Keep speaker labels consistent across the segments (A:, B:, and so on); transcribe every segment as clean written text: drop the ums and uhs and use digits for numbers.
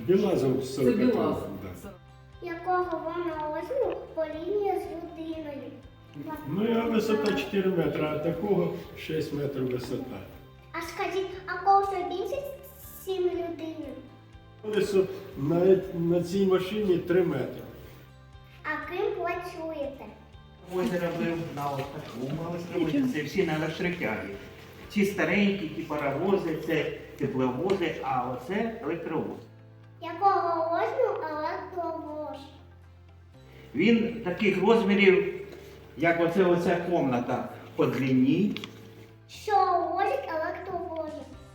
A: Білазов
B: Це
A: 40.
B: Білазов.
C: Якого вона розміру порівнює з людиною?
A: Ну, я висота 4 метри, а такого 6 метрів висота.
C: А скажіть, а кого більше 7 людини?
A: Колесо на цій машині 3 метри.
C: А ким працюєте?
D: Озеро був на таку мали зробити, це всі на електротягі. Ці старенькі, ті паровози, це тепловози, а оце електровоз.
C: Якого розміру електровоз?
D: Він таких розмірів, як оця кімната по длині,
C: Що возить електровоз?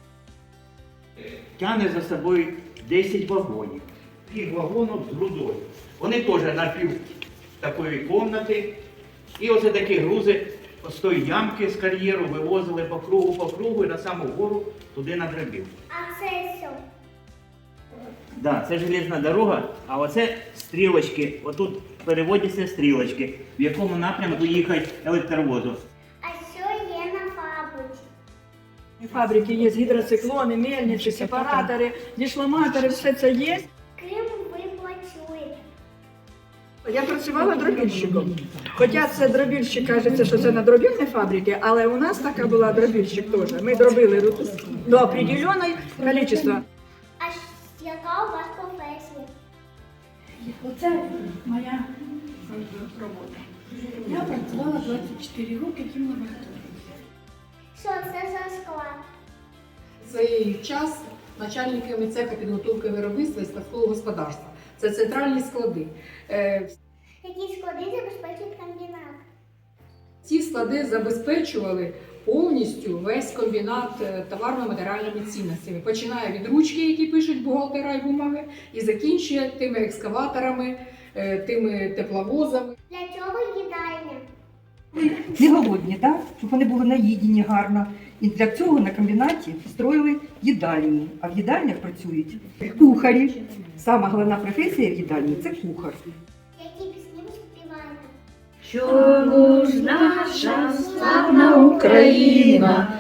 D: тягне за собою 10 вагонів. Таких вагонів з грудою. Вони теж на пів такої кімнати. І оце такі грузи з тої ямки з кар'єру вивозили по кругу і на саму гору туди на грабів.
C: А це що?
D: Да, це железна дорога, а оце стрілочки. Отут переводяться стрілочки, в якому напрямку їхати електровозу.
C: А що є на фабриці?
B: Фабрики є гідроциклони, мельниці, сепаратори, дешламатори, все це є.
C: Ким ви працюєте?
B: Я працювала дробільщиком. Хоча це дробільщик, кажеться, що це на дробільній фабриці, але у нас така була дробільщик теж. Ми дробили до определеного кількості.
C: А яка у вас професія?
E: Оце моя робота. Я працювала 24 роки в лабораторії.
C: Що це за склад?
F: Свій час начальниками цеха підготовки виробництва і складського господарства. Це центральні склади.
C: Які склади забезпечують комбінат?
F: Ці склади забезпечували повністю весь комбінат товарно-матеріальними цінностями. Починає від ручки, які пишуть бухгалтера і бумаги, і закінчує тими екскаваторами, тими тепловозами.
C: Для чого їдальня?
G: Не голодні, да? Щоб вони були наїдені гарно. І для цього на комбінаті строїли їдальні. А в їдальнях працюють кухарі. Сама головна професія в їдальні – це кухар.
C: Які пісні ви співаєте?
E: Чому ж наша славна Україна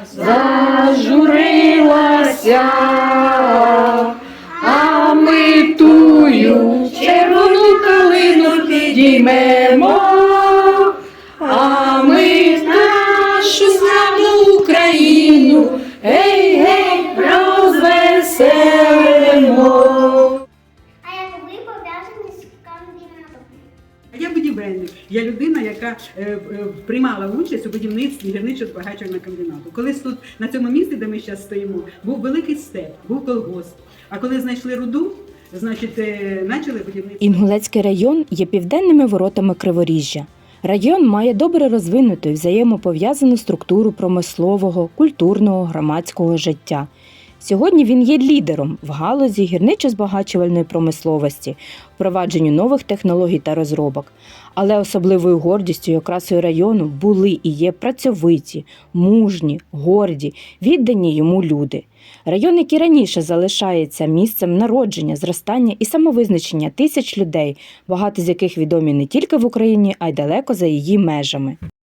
E: зажурилася, а ми тую червону калину підіймемо, а ми нашу славну Україну, гей-гей, розвеселимо.
C: А як ви пов'язані з комбінатом?
H: Я будівельник. Я людина, яка приймала участь у будівництві гірничо-збагачувального комбінату. Колись тут, на цьому місці, де ми зараз стоїмо, був великий степ, був колгосп. А коли знайшли руду, значить, почали будівництво.
I: Інгулецький район є південними воротами Криворіжжя. Район має добре розвинуту і взаємопов'язану структуру промислового, культурного, громадського життя. Сьогодні він є лідером в галузі гірничо-збагачувальної промисловості, впровадженню нових технологій та розробок. Але особливою гордістю і окрасою району були і є працьовиті, мужні, горді, віддані йому люди. Район, який раніше залишається місцем народження, зростання і самовизначення тисяч людей, багато з яких відомі не тільки в Україні, а й далеко за її межами.